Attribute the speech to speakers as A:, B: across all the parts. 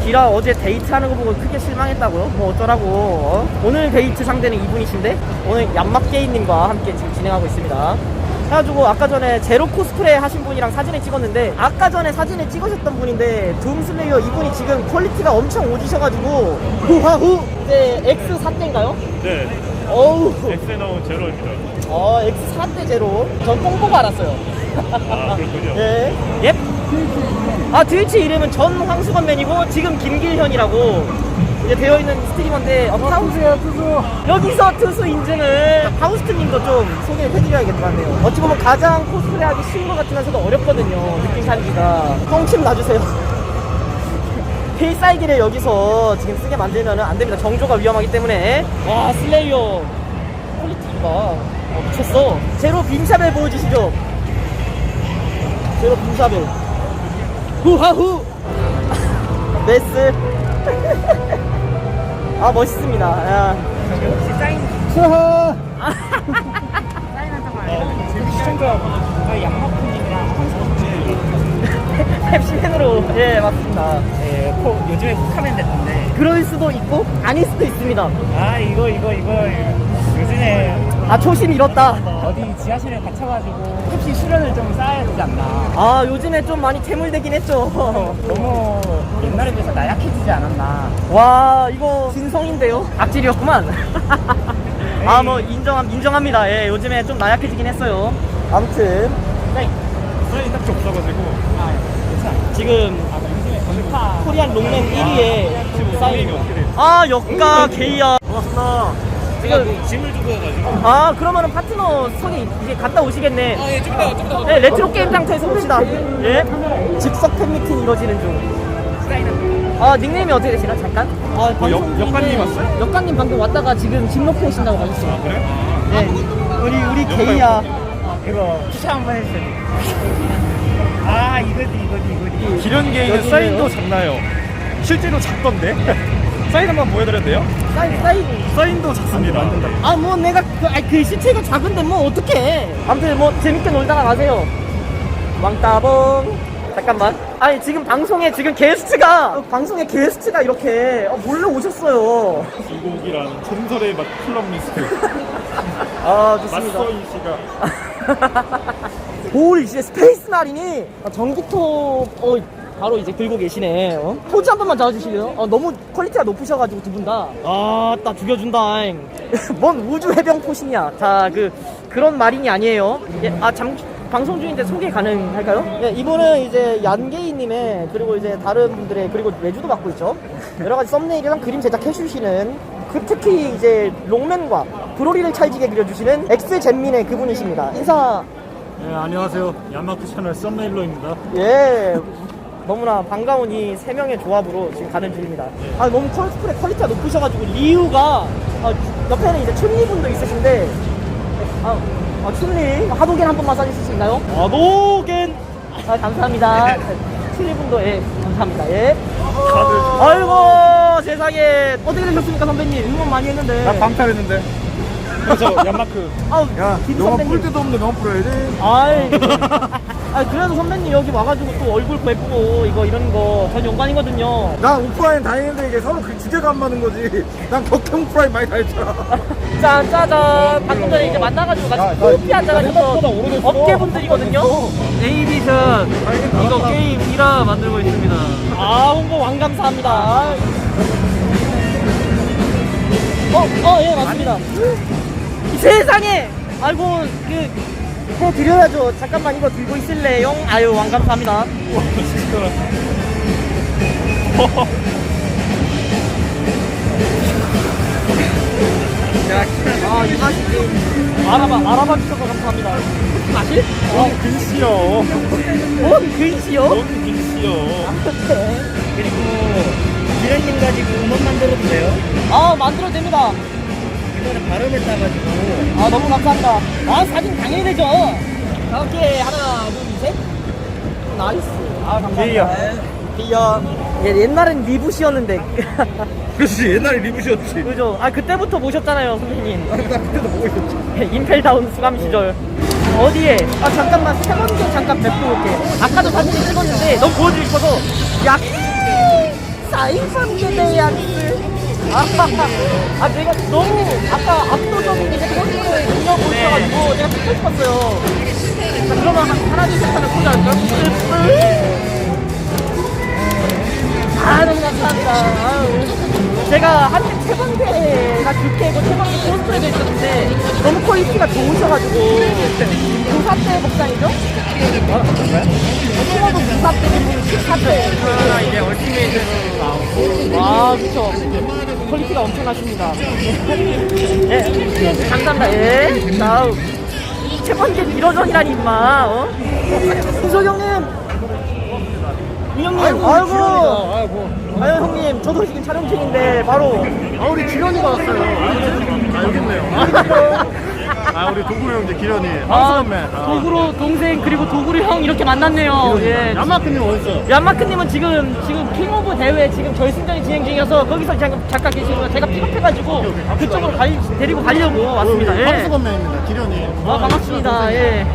A: 기라 어제 데이트하는 거 보고 크게 실망했다고요? 뭐 어쩌라고. 오늘 데이트 상대는 이분이신데 오늘 얌막게이님과 함께 지금 진행하고 있습니다. 그래가지고 아까 전에 제로 코스프레 하신 분이랑 사진을 찍었는데 아까 전에 사진을 찍으셨던 분인데 둠슬레이어 이분이 지금 퀄리티가 엄청 오지셔가지고 후하후 이제 X4대인가요?
B: 네.
A: 어우
B: 엑스에 나온 제로입니다.
A: X4대 제로. 전 뽕 보고 알았어요.
B: 아, 그렇군요.
A: 예. 예. 아, 트위치 이름은 전황수건맨이고 지금 김길현이라고 이제 되어있는 스트리머인데
C: 투수야 투수.
A: 여기서 투수 인증을 하우스트님도 좀 소개를 해드려야겠 것 같네요. 어찌 보면 가장 코스프레 하기 쉬운 것 같으면서도 어렵거든요. 느낌 살기가. 똥침 놔주세요. 필살기를 여기서 지금 쓰게 만들면 안 됩니다. 정조가 위험하기 때문에. 와, 슬레이어 퀄리티가 미쳤어. 제로 빔샤벨 보여주시죠. 제로 빔샤벨. 후하후. 메스. 아, 멋있습니다. 야.
C: 역시 사인. 수하.
B: 지금 시청자
C: 양마프님이랑
A: 펩시맨으로. 예, 맞습니다.
C: 예, 요즘에 콕하면 됐던데.
A: 그럴 수도 있고 아닐 수도 있습니다.
C: 아 이거 요즘에
A: 아, 초심 잃었다.
C: 어디 지하실에 갇혀가지고 펩시 수련을 좀 쌓아야 되지 않나.
A: 아, 요즘에 좀 많이 퇴물되긴 했죠.
C: 너무 옛날에 비해서 나약해지지 않았나.
A: 와, 이거 진성인데요? 악질이었구만. 아, 뭐 인정합니다. 예, 요즘에 좀 나약해지긴 했어요. 아무튼
B: 사인이 딱히 없어가지고.
C: 아 괜찮아.
A: 지금
C: 요즘에 전파
A: 코리안 롱맨 1위에
B: 지금
A: 사인.
B: 어떻게 돼요?
A: 아, 역가 게이야.
B: 고맙습니다.
A: 지금
B: 짐을 두고 와가지고.
A: 아, 그러면은 파트너 손이 이제 갔다 오시겠네.
B: 아, 예, 좀 이따.
A: 네, 레트로 게임 상태에서 봅시다. 예. 즉석 팬미팅 이루어지는 중. 아, 닉네임이 어떻게 되시나? 잠깐. 아,
B: 역관님 왔어요?
A: 역관님 방금 왔다가 지금 집 놓고 오신다고 하셨어요.
B: 아, 그래?
A: 네. 우리 게이야.
C: 이거 추천 한번 해주세요. 아 이거지.
B: 기련 게이는
A: 여기네요.
B: 사인도 작나요? 실제로 작던데? 사인 한번 보여드려도 돼요?
A: 사인.
B: 사인도 작습니다.
A: 아, 뭐 내가 그 시체가 작은데 뭐 어떡해. 아무튼 뭐 재밌게 놀다가 가세요. 왕따봉. 잠깐만. 아니, 지금 방송에 방송에 게스트가 이렇게 몰래 오셨어요.
B: 이곡이랑 전설의 맛 콜럼니스트
A: 아, 좋습니다.
B: 맞서인 씨가
A: 볼 이제 스페이스 마린이 전기톱 바로 이제 들고 계시네. 포즈 한 번만 잡아주시게요? 너무 퀄리티가 높으셔가지고 두 분 다. 아, 딱 죽여준다잉. 뭔 우주 해병 포신이야. 자, 그런 마린이 아니에요. 예, 방송 중인데 소개 가능할까요? 네, 이분은 이제 얀게이님의 그리고 이제 다른 분들의 그리고 외주도 맡고 있죠. 여러 가지 썸네일이랑 그림 제작해 주시는 특히 이제 롱맨과 브로리를 찰지게 그려주시는 엑스젠민의 그분이십니다. 인사.
B: 네, 안녕하세요. 야마쿠 채널 썸네일러입니다.
A: 예. 너무나 반가운 이 세 명의 조합으로 지금 가는 중입니다. 아, 너무 코스프레 퀄리티가 높으셔가지고 리우가 옆에는 이제 춘리 분도 있으신데 춘리 하도겐 한 번만 써주실 수 있나요? 하도겐. 감사합니다. 춘리 분도 예 감사합니다. 예. 아이고 세상에 어떻게 되셨습니까 선배님? 응원 많이 했는데.
B: 나 방탈했는데. 그래서 얀마크.
A: 야,
B: 너무 볼 때도 없는데 너무 풀어야지.
A: 그래도 선배님 여기 와가지고 또 얼굴 예쁘고 이런 거 전 영광이거든요.
D: 난 오프라인 다니는데 이게 서로 그 주제가 안 맞는 거지. 난 격행 오프라인 많이 다녔잖아.
A: 짜자잔. 방금 전에 이제 만나가지고 같이 커피 한잔하셔서 업계분들이거든요. 에이비션 이거 게임 1화 만들고 있습니다. 아, 홍보 왕 감사합니다. 예, 맞습니다. 세상에! 아이고, 해드려야죠. 잠깐만 이거 들고 있을래요? 아유, 왕 감사합니다. 이 맛이지. 알아봐 주셔서 감사합니다. 마실?
B: 근시요.
A: 근시요?
B: 근시요.
C: 그리고 기련님 가지고 음원 만들어도 돼요?
A: 만들어도 됩니다.
C: 이거는 발음에 따가지고.
A: 너무 감사합니다. 사진 당연히 되죠. 자, 오케이. 하나, 둘, 셋. 나이스. 감사합니다. 비야. 옛날엔 리부시였는데.
D: 그렇지, 옛날에 리뷰셨지.
A: 그죠? 그때부터 모셨잖아요, 선생님.
D: 나 그때도 보고 있었지.
A: 임펠다운 수감 시절. 어디에? 잠깐만, 세 번째 잠깐 뵙고 올게. 아까도 사진을 찍었는데, 너무 보여주고 싶어서. 야, 사이먼에 양스. 제가 너무 아까 압도적인 이제 콘서트의 능력 보여가지고 제가 듣고 싶었어요. 자, 그러면 하나 둘 셋 하면 보자 할까요? 너무 감사합니다. 제가 한때 최범대가 주캐고 최범대 콘서트에도 있었는데 너무 퀄리티가 좋으셔가지고 부사대 복장이죠? 최범도 부사대 14대.
B: 이제 얼티메이트로 나오고.
A: 그쵸. 퀄리티가 엄청나십니다. 예, 감사합니다. 예. 다음. 최범대 미러전이라니, 임마. 윤석 형님! 윤영님, 아유, 형님, 저도 지금 촬영 중인데, 바로.
D: 우리 기련이가 왔어요. 여기 있네요. 우리 도구 형제 기련이.
A: 도구로 동생, 그리고 도구로 형 이렇게 만났네요. 예.
D: 야마크님 어딨어?
A: 얀마크님은 지금 킹 오브 대회 지금 결승전이 진행 중이어서 거기서 잠깐 계시고요. 제가 픽업해가지고 그쪽으로 데리고 가려고 왔습니다. 예.
D: 함수건맨입니다. 기련이.
A: 반갑습니다. 예.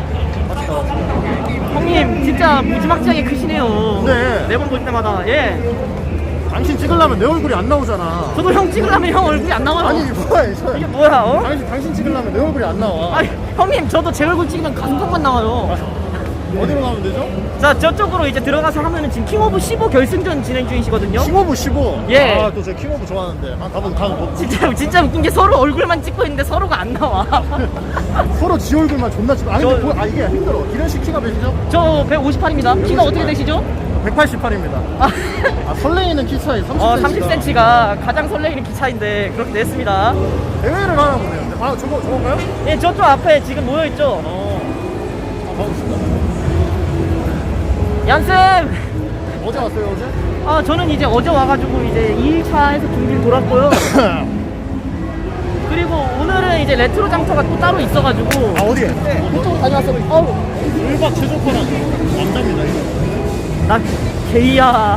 A: 형님, 진짜 무지막지하게 크시네요.
D: 네.
A: 매번 볼 때마다. 예.
D: 당신 찍으려면 내 얼굴이 안 나오잖아.
A: 저도 형 찍으려면 형 얼굴이 안 나와요.
D: 아니 이게 뭐야 이거.
A: 이게 뭐야, 어?
D: 당신 찍으려면 내 얼굴이 안 나와.
A: 형님, 저도 제 얼굴 찍으면 가슴팍만 나와요.
D: 어디로 가면 되죠?
A: 자, 저쪽으로 이제 들어가서 하면은 지금 킹 오브 15 결승전 진행 중이시거든요.
D: 킹오브 15.
A: 예.
D: 또 제가 킹오브 좋아하는데. 가면
A: 진짜 웃긴 게 서로 얼굴만 찍고 있는데 서로가 안 나와.
D: 서로 지 얼굴만 존나 찍고. 근데 이게 힘들어. 기련 씨 키가 몇이죠?
A: 저 158입니다. 키가 어떻게 되시죠?
D: 188입니다. 설레이는 키 차이 30cm.
A: 30cm가 가장 설레이는 키 차인데 그렇게 됐습니다.
D: 대회를 하나 보네요. 저건가요?
A: 예, 저쪽 앞에 지금 모여있죠?
D: 가보겠습니다.
A: 얀쌤!
D: 어제 왔어요, 어제?
A: 저는 이제 어제 와가지고 이제 2일차 해서 준비를 돌았고요. 그리고 오늘은 이제 레트로 장터가 또 따로 있어가지고.
D: 어디에?
A: 그쪽으로 다녀왔어요.
D: 1박 최저가랑 남자입니다, 이거.
A: 나 게이야.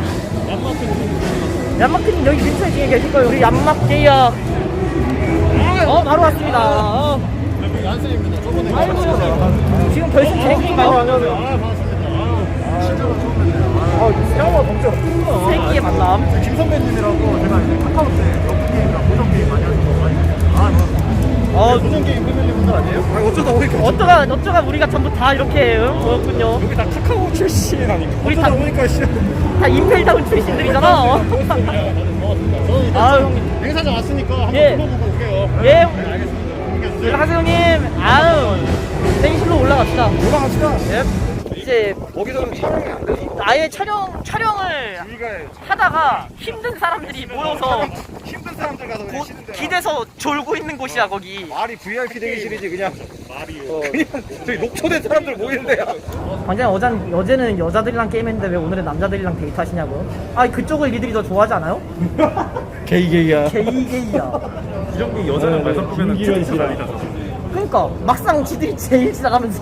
A: 얀마크님 여기 근처에 지금 계실 거예요. 우리 얀막 게이야. 바로 왔습니다.
D: 얀쌤입니다. 저번에.
A: 아이고, 형님. 지금 결승 진행 중인가요?
D: 안녕하세요. 반갑습니다. 실제로 처음 뵙네요. 영화 검색.
A: 세기의 만남.
D: 김 선배님이라고 제가 이제 카카오톡에 러프게임이랑 고정게임 많이 하시거든요. 고정게임 패밀리 분들 아니에요? 어쩌다 보니까.
A: 어쩌가 우리가 전부 다 이렇게 모였군요.
B: 여기 다 카카오 출신 아닌가?
A: 우리 다
D: 보니까
A: 다 임펠다운 출신들이잖아.
D: 고맙습니다. 저는 일단
A: 아유, 형님.
D: 행사장 왔으니까 한번
A: 예.
D: 불러보고 올게요.
A: 예.
D: 알겠습니다.
A: 연락하세요, 형님. 아유, 대기실로 올라갑시다.
D: 올라갑시다.
A: 예. 이제
B: 거기서는 촬영이 안 되지.
A: 아예 촬영을 하다가 힘든 사람들이 모여서
B: 힘든 사람들 가서 그냥 쉬는데.
A: 기대서 졸고 있는 곳이야, 거기.
B: 말이 VIP 대기실이지 그냥. 말이요. 그냥 저기 녹초된 사람들 모이는 데야.
A: 광장님, 어제는 여자들이랑 게임했는데 왜 오늘은 남자들이랑 데이트하시냐고요? 그쪽을 니들이 더 좋아하지 않아요?
B: 게이게이야.
A: 게이게이야.
B: 이런 게 여자랑 말 섞으면 기련이 지랄이다.
A: 그러니까 막상 지들이 제일 시작하면서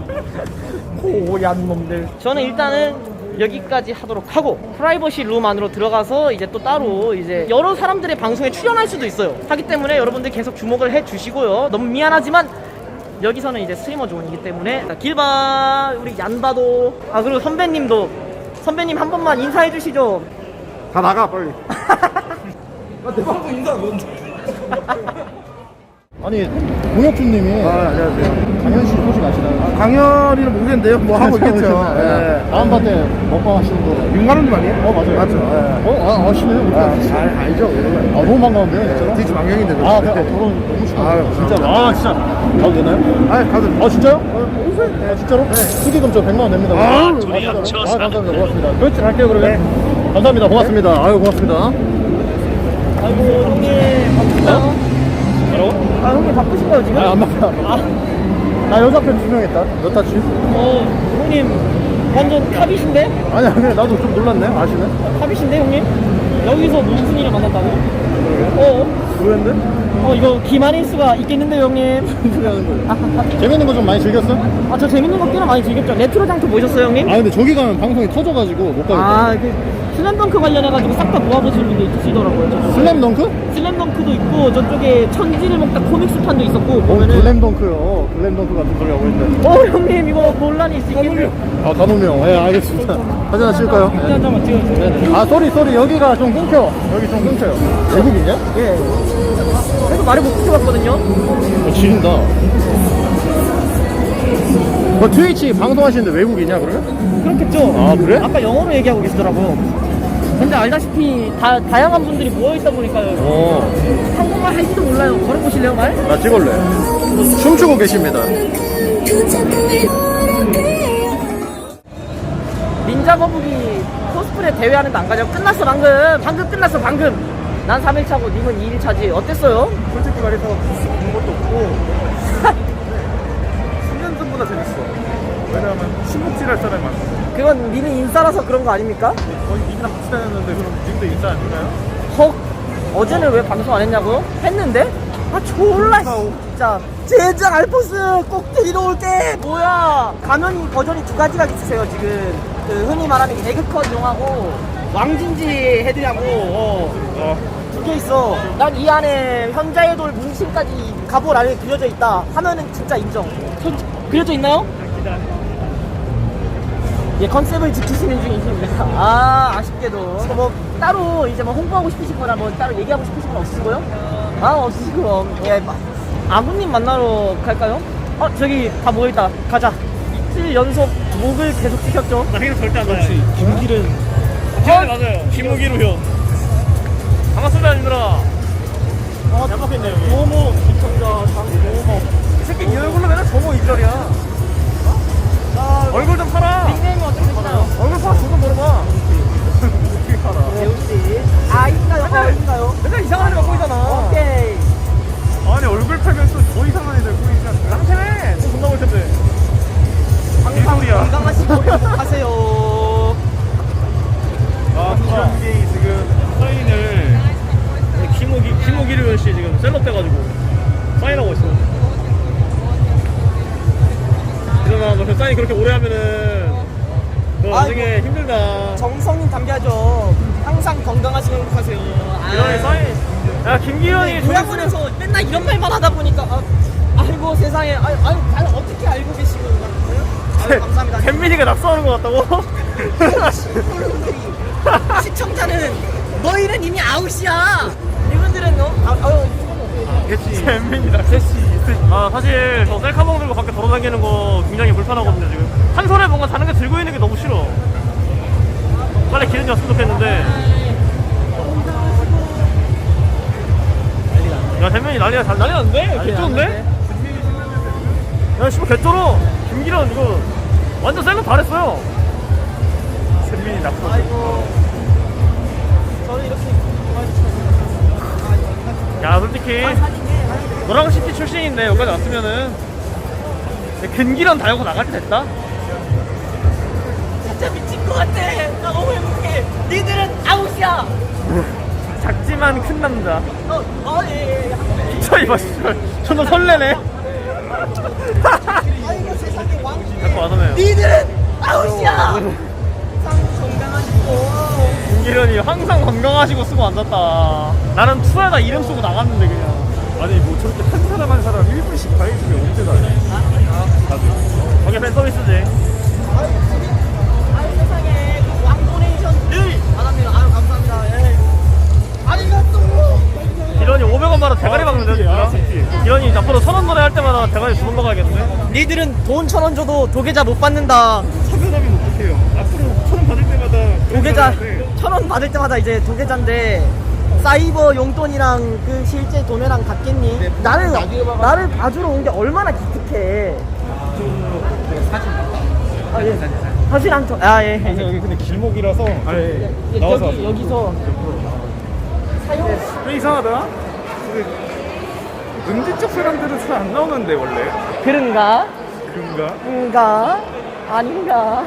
A: 고얀 놈들. 저는 일단은 여기까지 하도록 하고 프라이버시 룸 안으로 들어가서 이제 또 따로 이제 여러 사람들의 방송에 출연할 수도 있어요. 하기 때문에 여러분들 계속 주목을 해 주시고요. 너무 미안하지만 여기서는 이제 스트리머 존이기 때문에. 자, 길바, 우리 얀바도, 그리고 선배님 한 번만 인사해 주시죠.
D: 다 나가 빨리.
B: 내 방송 인사 뭔데?
D: 아니 공혁준님이 안녕하세요. 강현 씨 소식 아시나요?
E: 강연이는 모르겠는데요. 뭐 하고 있겠죠.
D: 네. 다음 반 때 먹방 하시는 거.
E: 윤가루님 아니에요?
D: 맞아요.
E: 맞죠.
D: 아시네요.
E: 알죠.
D: 너무 반가운데요, 진짜로?
E: 뒤지 망경인데.
D: 결혼 너무 축하드려요. 진짜. 진짜. 가도 되나요?
E: 가도.
D: 진짜요? 진짜로? 축의금 저 100만 원 냅니다. 진짜로? 감사합니다. 고맙습니다. 그렇지, 갈게요, 그러면. 감사합니다. 고맙습니다. 고맙습니다.
A: 아이고, 형님 바쁘세요? 형님 바쁘신가요 지금?
D: 안 바빠. 나 여자 팬 2명 했다. 몇 타치?
A: 형님 완전 탑이신데?
D: 아니야, 그래, 나도 좀 놀랐네. 아시네?
A: 탑이신데 형님? 여기서 무슨 일을 만났다고?
D: 그랬는데?
A: 이거 기만일 수가 있겠는데요 형님?
D: 재밌는 거 좀 많이 들렸어?
A: 저 재밌는 거 꽤나 많이 즐겼죠. 레트로 장터 보셨어요 형님?
D: 근데 저기 가면 방송이 터져가지고 못 가겠다.
A: 슬램덩크 관련해가지고 싹 다 모아보시는 분도 있으시더라고요. 저쪽에.
E: 슬램덩크?
A: 슬램덩크도 있고 저쪽에 천지를 먹다 코믹스판도 있었고 보면은
E: 글램덩크요. 글램덩크 같은 소리 하고 있는데.
A: 형님 이거 논란이 있으시겠네요.
E: 아, 단호명. 예, 알겠습니다. 사진 하나 찍을까요?
C: 한 장만 찍어주세요.
E: 아, 쏘리. 여기가 좀 끊겨. 여기 좀 끊겨요. 외국이냐?
A: 예. 그래서 말을 못 붙여봤거든요.
E: 지린다. 트위치 방송하시는데 외국이냐, 그러면?
A: 그렇겠죠.
E: 아, 그래?
A: 아까 영어로 얘기하고 계시더라고요. 근데 알다시피 다양한 분들이 모여있다 보니까요. 한국말 할지도 몰라요. 걸어보실래요, 말?
E: 나 찍을래. 춤추고 계십니다.
A: 닌자 거북이 코스프레 대회하는데 안 가냐고. 끝났어 방금 끝났어 방금. 난 3일차고 님은 2일차지. 어땠어요?
D: 솔직히 말해서 본 것도 없고 10년 전보다 재밌어. 왜냐하면 신목질할 사람이 많아.
A: 그건 님이 인싸라서 그런 거 아닙니까?
D: 거의 님이랑 같이 다녔는데 그럼 님도 인싸 아닌가요?
A: 헉, 어제는 왜 방송 안 했냐고요? 했는데? 아 졸라 진짜. 제작 알포스 꼭 데리러 올게. 뭐야, 가면이 버전이 두 가지가 있으세요 지금. 그 흔히 말하는 개그컷 용하고 왕진지 헤드하고 두 개 있어. 난 이 안에 현자의 돌 문신까지 가볼 안에 그려져 있다 하면은 진짜 인정. 그려져 있나요? 예, 컨셉을 지키시는 중이십니다. 아, 아쉽게도. 뭐, 따로 이제 뭐 홍보하고 싶으신 거나 뭐 따로 얘기하고 싶으신 건 없으시고요? 아, 없으시고. 예, 아버님 만나러 갈까요? 저기 다 모여있다. 가자. 이틀 연속 목을 계속 찍혔죠?
B: 나 행동 절대 안 나요. 김길은. 맞아요. 김무기로 형. 반갑습니다, 님들아. 얌박했네, 여기.
A: 모모, 시청자, 모모.
B: 이 새끼 이 얼굴로 맨날 저모 입절이야. 얼굴 좀 팔아.
A: 닉네임이 어떻게 되시나요?
B: 얼굴 팔아, 저도 물어봐. 어떻게 팔아?
A: 배우씨. 아, 인가요? 인가요?
B: 맨날 이상한 애만 보이잖아.
A: 오케이.
D: 아니 얼굴 팔면 또 더 이상한 애들 보이지 않나요?
B: 랑태네. 또 존나 볼 텐데.
A: 항상
D: 일소리야.
A: 건강하시고 행복하세요.
D: 김현기 지금
B: 사인을 김무기류 씨 지금 셀럽 돼가지고 사인하고 있어. 일어나, 너 그 사인 그렇게 오래 하면은 너 나중에 힘들다.
A: 정성이 담겨야죠. 항상 건강하시고 행복하세요.
B: 이런 사인. 야, 김기현이
A: 고향원에서 맨날 이런 말만 하다 보니까 아이고 세상에 아유 어떻게 알고 계시고 아유 감사합니다.
B: 잼민이가 낙서하는 것 같다고?
A: 시청자분들이 시청자는 너희는 이미 아웃이야. 이분들은
B: 잼민이다. 사실 저 셀카봉 들고 밖에 돌아다니는 거 굉장히 불편하거든요 지금. 한 손에 뭔가 다른 게 들고 있는 게 너무 싫어. 빨리 기름이 왔으면 좋겠는데. 야, 잼민이 난리 났는데? 개쩌는데? 야, 씨발 개쩔어. 김기련 이거 완전 셀럽 잘했어요.
D: 잼민이 낙서.
A: 아이고 저는 이렇게
B: 야, 솔직히 너랑 시티 출신인데 여기까지 왔으면은 근기련 달고 나갈 때 됐다?
A: 진짜 미친 것 같아. 나 너무 행복해. 니들은 아웃이야.
B: 작지만 큰 남자.
A: 예.
B: 진짜 이봐, 씨발. 존나 설레네.
A: 아이고 세상에 왕.
B: 자꾸 와서네요.
A: 니들은 아웃이야. 항상 건강하시고.
B: 김기련이 항상 건강하시고 쓰고 앉았다. 나는 투에다 이름 쓰고 나갔는데 그냥.
D: 아니 뭐 저렇게 한 사람 한 사람 1분씩 다 해주면 언제 다 해?
B: 저게 팬 서비스지.
A: 아유 세상에 왕 도네이션 늘 받았네요. 아유 감사합니다. 예. 아리가또.
B: 기련이 500원 받아 대가리 박는데 진짜. 기련이 앞으로 1000원 노래 할 때마다 대가리 2번 박아야겠는데.
A: 니들은 돈 1000원 줘도 도계자 못 받는다.
D: 차별하면 어떡해요? 앞으로 1000원 받을 때마다
A: 도계자
D: 그러는데
A: 1000원 받을 때마다 이제 도계자인데 사이버 용돈이랑 그 실제 돈이랑 같겠니? 나를 봐주러 온 게 얼마나 기특해. 사진 한 통. 아 예.
D: 여기 근데 길목이라서 나와서
A: 여기서 사용.
D: 왜 이상하다? 음지 쪽 사람들은 잘 안 나오는데 원래
A: 그런가?
D: 그런가?
A: 아닌가?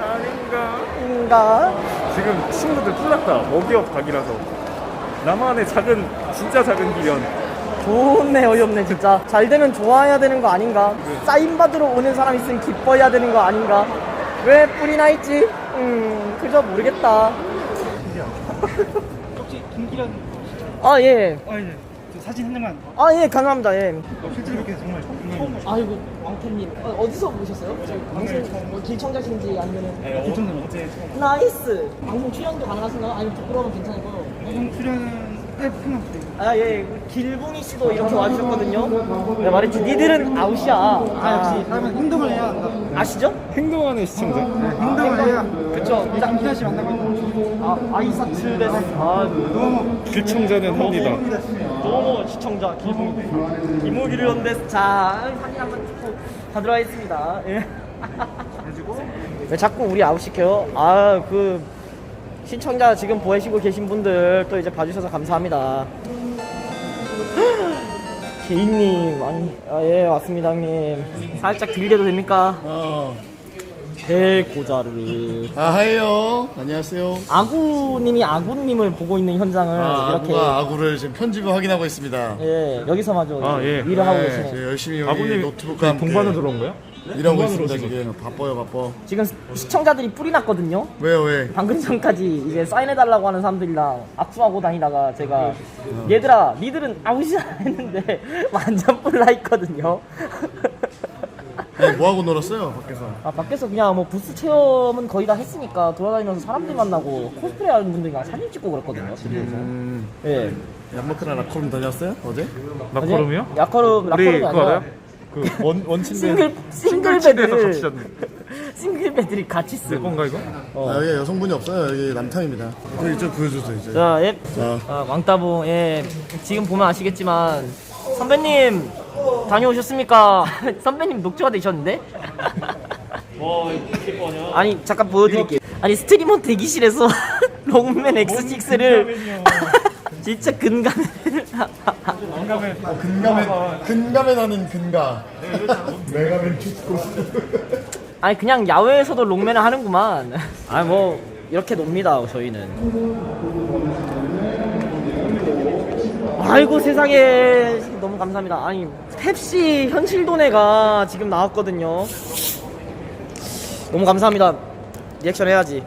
D: 지금 친구들 뿔났다. 먹이업 각이라서 나만의 진짜 작은 기련.
A: 좋네. 어이없네 진짜. 잘 되면 좋아해야 되는 거 아닌가? 사인 받으러 오는 사람 있으면 기뻐해야 되는 거 아닌가? 왜 뿔이 나 있지? 그저 모르겠다.
C: 혹시 김기련
A: 아, 예.
C: 네. 저 사진 한 장만.
A: 아, 예, 감사합니다. 예.
C: 실제로 뵙게 돼서 정말 정말
A: 아이고, 왕태님. 어디서 보셨어요? 방송, 뭐 길청자신지 아니면은.
C: 기청자는 어제 처음.
A: 나이스! 방송 출연도 가능하신가요? 아니면 부끄러우면 괜찮고.
C: 방송 출연은 편한 부대.
A: 아, 예. 길붕이 씨도 이렇게 와주셨거든요. 내가 말했지. 니들은 아웃이야. 아,
C: 그러면 행동을 해야 한다.
A: 아시죠?
E: 행동하는 시청자.
C: 행동을 해야.
A: 그쵸. 자,
C: 김기현 씨 만나고 있는.
A: 아이사츠 데스.
C: 너무
E: 길청자는 합니다.
A: 너무 시청자 길붕이. 이모기르연 데스. 자, 사진 한번 찍고 가도록 하겠습니다. 예. 왜 자꾸 우리 아웃시켜요? 아, 그. 시청자 지금 보시고 계신 분들 또 이제 봐주셔서 감사합니다. 개인님, 아니, 예, 왔습니다, 형님. 살짝 들게도 됩니까? 대고자르.
F: 하이요. 안녕하세요.
A: 아구님이 아구님을 보고 있는 현장을 이렇게.
F: 아구가 아구를 지금 편집을 확인하고 있습니다.
A: 예, 여기서마저
B: 아, 예.
A: 일을 하고
F: 네,
A: 계시네.
F: 지금 열심히 여기
B: 아구님
F: 노트북과 함께
E: 동반으로 들어온 거야?
F: 일하고 있습니다. 지금 바빠요, 바빠.
A: 지금 시청자들이 뿔이 났거든요.
F: 왜요, 왜?
A: 방금 전까지 이제 사인해달라고 하는 사람들이랑 악수하고 다니다가 제가 얘들아 니들은 아웃이야 했는데 완전 뿔나 있거든요.
F: 아니, 뭐 하고 놀았어요, 밖에서?
A: 아 밖에서 그냥 뭐 부스 체험은 거의 다 했으니까 돌아다니면서 사람들 만나고 코스프레 하는 분들이랑 사진 찍고 그랬거든요. 집에서. 예.
F: 얀마크나 라커룸 다녔어요? 어제?
B: 나코름이요?
A: 야커룸
B: 우리
A: 라커룸이
B: 그거
A: 아니라
B: 알아요? 그 원침대
A: 싱글
B: 침대에서 같이
A: 베드를
B: 잤는데
A: 싱글 베드를 같이
B: 내
A: 쓰고.
B: 건가 이거?
F: 아, 여기 여성분이 없어요. 여기 남탕입니다. 여기 좀 보여주세요, 이제.
A: 자, 예.
F: 자.
A: 왕따봉, 예. 지금 보면 아시겠지만, 선배님, 다녀오셨습니까? 선배님 녹초가 되셨는데?
B: 와 이거 아니야?
A: 아니, 잠깐 보여드릴게요. 아니, 스트리머 대기실에서 롱맨 X6를 진짜 근감을.
F: 근감에 나는 근가. 메가맨 축구.
A: 아니, 그냥 야외에서도 롱맨을 하는구만. 아니, 뭐, 이렇게 놉니다, 저희는. 아이고 세상에 너무 감사합니다. 아니 펩시 현실도네가 지금 나왔거든요. 너무 감사합니다. 리액션 해야지.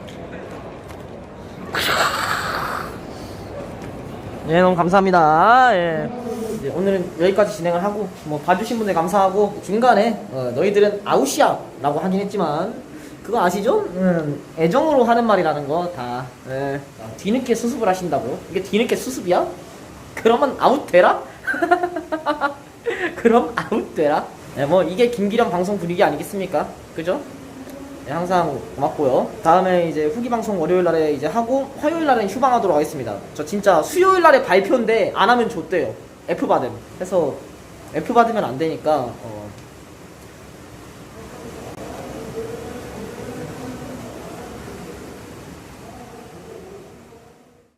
A: 예, 너무 감사합니다. 예. 이제 오늘은 여기까지 진행을 하고 뭐 봐주신 분들 감사하고 중간에 너희들은 아웃이야 라고 하긴 했지만 그거 아시죠? 애정으로 하는 말이라는 거 다. 예. 뒤늦게 수습을 하신다고. 이게 뒤늦게 수습이야? 그러면 아웃되라? 그럼 아웃되라? 네, 뭐 이게 김기련 방송 분위기 아니겠습니까? 그죠? 네, 항상 고맙고요. 다음에 이제 후기 방송 월요일날에 이제 하고 화요일날은 휴방하도록 하겠습니다. 저 진짜 수요일날에 발표인데 안 하면 좆대요. F 받음. 해서 F 받으면 안 되니까